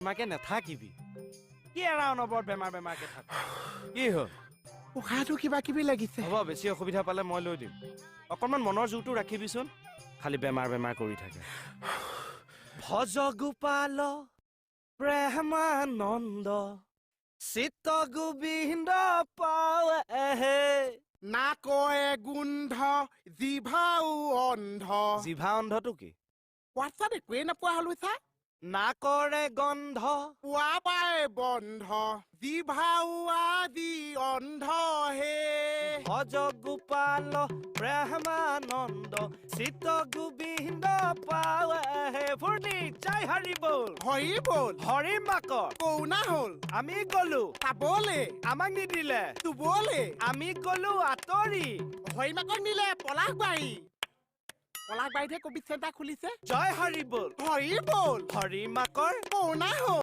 মাকে নাথাকিবি কি এৰা অনবৰত বেমাৰকে থাক কি হ'ল উশাহটো কিবা কিবি লাগিছে হ'ব বেছি অসুবিধা পালে মই লৈ দিম অকণমান মনৰ জোৰটো ৰাখিবিচোন খালি বেমাৰ কৰি থাকে ভজ গোপাল প্ৰেমানন্দ চিত্ত গোবিন্দ পাৱে নাকয়ে গোন্ধ জিভাও অন্ধ জিভা অন্ধটো কি হোৱাটছআপ একোৱেই নোপোৱা হলো চা নাকৰে গন্ধ পোৱা পাই বন্ধ জিভাও আজি অন্ধ হে ভজ গোপাল প্ৰেমানন্দ চিত্ত গোবিন্দ পাৱে ফূৰ্তি জয় হৰি বল হৰি বল হৰি মাকৰ কৌনা হল আমি গলো চাবলে আমাক নিদিলে চুবলে আমি গলো আঁতৰি হৰি মাকক নিলে পলাশবাৰীতহে কভিড চেণ্টাৰ খুলিছে জয় হৰি বল হৰি বল হৰি মাকৰ কৌনা হল